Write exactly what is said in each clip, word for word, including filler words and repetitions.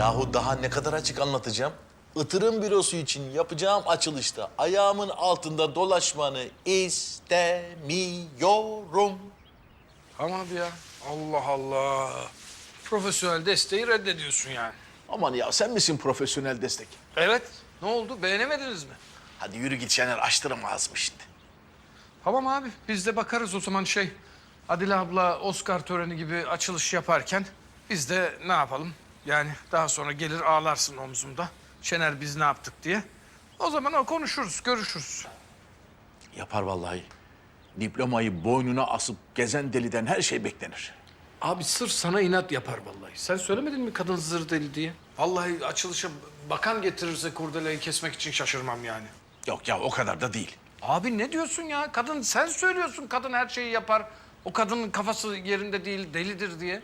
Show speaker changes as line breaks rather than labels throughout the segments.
Yahu daha ne kadar açık anlatacağım? Itırım bürosu için yapacağım açılışta ayağımın altında dolaşmanı istemiyorum.
Tamam abi ya. Allah Allah. Profesyonel desteği reddediyorsun yani.
Aman ya sen misin profesyonel destek?
Evet. Ne oldu? Beğenemediniz mi?
Hadi yürü git Şener, açtırma ağzımı şimdi.
Tamam abi. Biz de bakarız o zaman şey. Adile abla Oscar töreni gibi açılış yaparken biz de ne yapalım? Yani daha sonra gelir ağlarsın omzumda. Şener biz ne yaptık diye. O zaman o konuşuruz, görüşürüz.
Yapar vallahi. Diplomayı boynuna asıp gezen deliden her şey beklenir.
Abi sırf sana inat yapar vallahi. Sen söylemedin mi kadın zır deli diye? Vallahi açılışa bakan getirirse kurdeleyi kesmek için şaşırmam yani.
Yok ya, o kadar da değil.
Abi ne diyorsun ya? Kadın sen söylüyorsun kadın her şeyi yapar. O kadının kafası yerinde değil, delidir diye.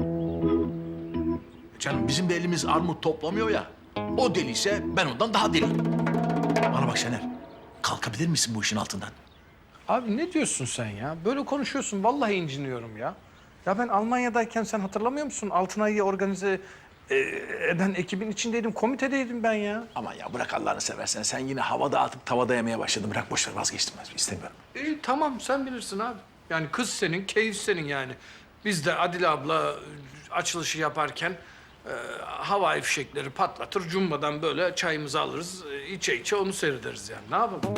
Canım bizim de elimiz armut toplamıyor ya. O deliyse ben ondan daha deliyim. Bana bak Şener, kalkabilir misin bu işin altından?
Abi ne diyorsun sen ya? Böyle konuşuyorsun. Vallahi inciniyorum ya. Ya ben Almanya'dayken sen hatırlamıyor musun? Altınay'ı organize e, eden ekibin içindeydim. Komitedeydim ben ya.
Aman ya bırak Allah'ını seversen. Sen yine havada atıp tavada yemeye başladın. Bırak boş ver, vazgeçtim ben. İstemiyorum.
İyi tamam sen bilirsin abi. Yani kız senin, keyif senin yani. Biz de Adile abla e, açılışı yaparken e, havai fişekleri patlatır. Cumbadan böyle çayımızı alırız. E, içe içe onu seyrederiz yani. Ne yapalım?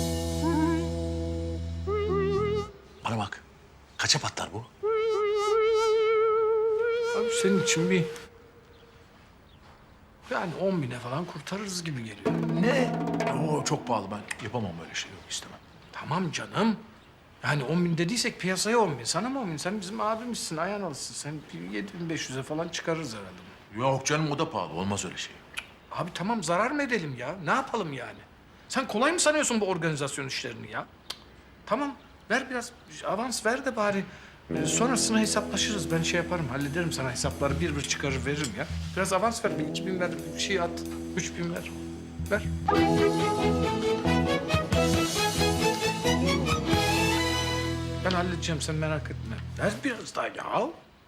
Bana bak, kaça patlar bu?
Abi senin için bir... Yani on bine falan kurtarırız gibi geliyor.
Ne? Oo, çok pahalı, ben yapamam böyle şey, yok istemem.
Tamam canım. Yani on bin dediysek piyasaya on bin. Sana mı on bin? Sen bizim abimizsin, ayağın alışsın. Sen yedi bin beş yüze falan çıkarırız herhalde.
Yok canım, o da pahalı, olmaz öyle şey.
Abi tamam zarar mı edelim ya? Ne yapalım yani? Sen kolay mı sanıyorsun bu organizasyon işlerini ya? Cık. Tamam ver biraz avans ver de bari. Ee, sonrasına hesaplaşırız. Ben şey yaparım, hallederim sana hesapları bir bir çıkarır veririm ya. Biraz avans ver, bir iki bin ver, bir şey at. Üç bin ver. Ver. Ben halledeceğim, sen merak etme. Ver biraz daha ya.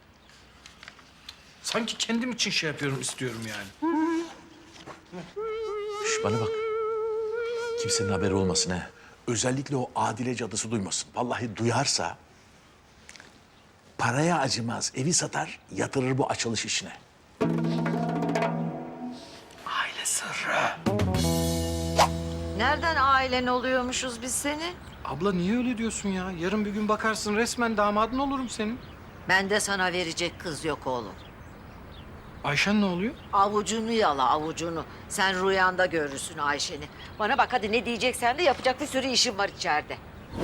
Sanki kendim için şey yapıyorum, istiyorum yani.
Şş, bana bak. Kimsenin haberi olmasın ha. Özellikle o Adile cadısı duymasın. Vallahi duyarsa paraya acımaz. Evi satar, yatırır bu açılış işine.
Aile sırrı.
Nereden ailen oluyormuşuz biz senin?
Abla niye öyle diyorsun ya? Yarın bir gün bakarsın resmen damadın olurum senin.
Ben de sana verecek kız yok oğlum.
Ayşen ne oluyor?
Avucunu yala avucunu. Sen rüyanda görürsün Ayşe'ni. Bana bak hadi ne diyeceksen de yapacak bir sürü işim var içeride.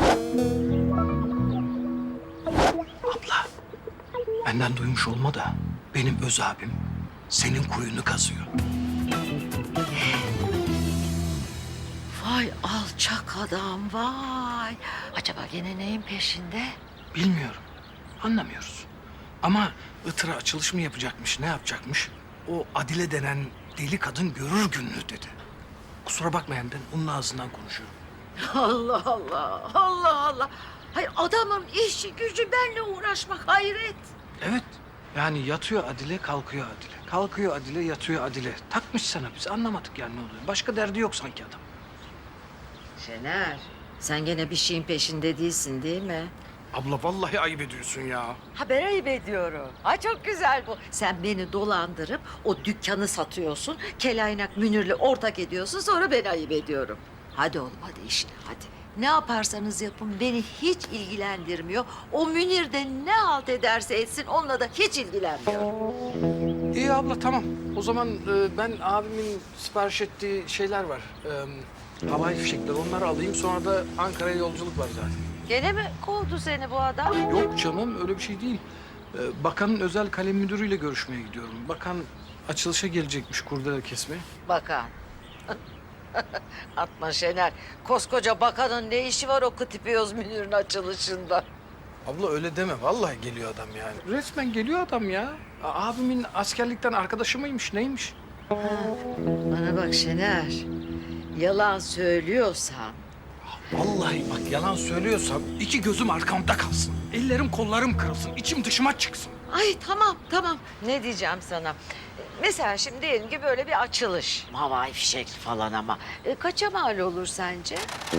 Abla, benden duymuş olma da benim öz abim senin kuyunu kazıyor.
Vay alçak adam vay. Acaba gene neyin peşinde?
Bilmiyorum, anlamıyoruz. Ama Itır'a açılış mı yapacakmış, ne yapacakmış? O Adile denen deli kadın görür gününü dedi. Kusura bakmayın ben onun ağzından konuşuyorum.
Allah Allah, Allah Allah. Hayır adamın işi gücü benimle uğraşmak hayret.
Evet, yani yatıyor Adile, kalkıyor Adile. Kalkıyor Adile, yatıyor Adile. Takmış sana, biz anlamadık yani ne oluyor. Başka derdi yok sanki adam.
Şener, sen gene bir şeyin peşinde değilsin değil mi?
Abla vallahi ayıp ediyorsun ya.
Haber ayıp ediyorum. Ha çok güzel bu. Sen beni dolandırıp o dükkanı satıyorsun. Kelaynak Münir'le ortak ediyorsun. Sonra ben ayıp ediyorum. Hadi oğlum hadi işine hadi. Ne yaparsanız yapın beni hiç ilgilendirmiyor. O Münir de ne halt ederse etsin onunla da hiç ilgilenmiyorum.
İyi abla tamam. O zaman e, ben abimin sipariş ettiği şeyler var. E, havai fişekler onları alayım. Sonra da Ankara'ya yolculuk var zaten.
Gene mi kovdu seni bu adam?
Yok canım öyle bir şey değil. E, bakanın özel kalem müdürüyle görüşmeye gidiyorum. Bakan açılışa gelecekmiş kurdele kesmeye.
Bakan. Atma Şener. Koskoca bakanın ne işi var o Kıtipiyoz Münir'in açılışında?
Abla öyle deme. Vallahi geliyor adam yani. Resmen geliyor adam ya. A- abimin askerlikten arkadaşı mıymış neymiş?
Bana bak Şener. Yalan söylüyorsan
Vallahi bak yalan söylüyorsam iki gözüm arkamda kalsın. Ellerim kollarım kırılsın. İçim dışıma çıksın.
ay tamam tamam. Ne diyeceğim sana? Mesela şimdi diyelim ki böyle bir açılış. Havai fişek falan ama. E, kaça mal olur sence?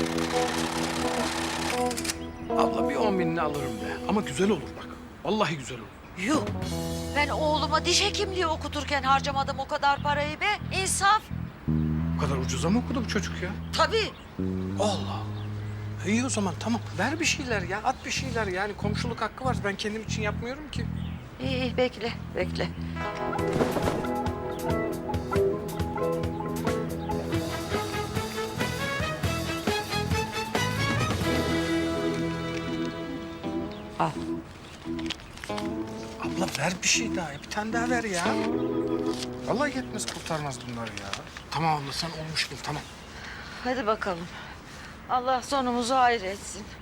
Abla bir on binini alırım be. Ama güzel olur bak. Vallahi güzel olur.
Yuh. Ben oğluma diş hekimliği okuturken harcamadım o kadar parayı be. İnsaf.
Bu kadar ucuza mı okudu bu çocuk ya?
Tabii.
Allah Allah. İyi o zaman tamam. Ver bir şeyler ya. At bir şeyler yani. Komşuluk hakkı var. Ben kendim için yapmıyorum ki.
İyi, iyi bekle, bekle. Al.
Abla ver bir şey daha. Bir tane daha ver ya. Vallahi yetmez kurtarmaz bunlar ya. Tamam abla sen olmuş bil tamam.
Hadi bakalım. Allah sonumuzu hayır etsin.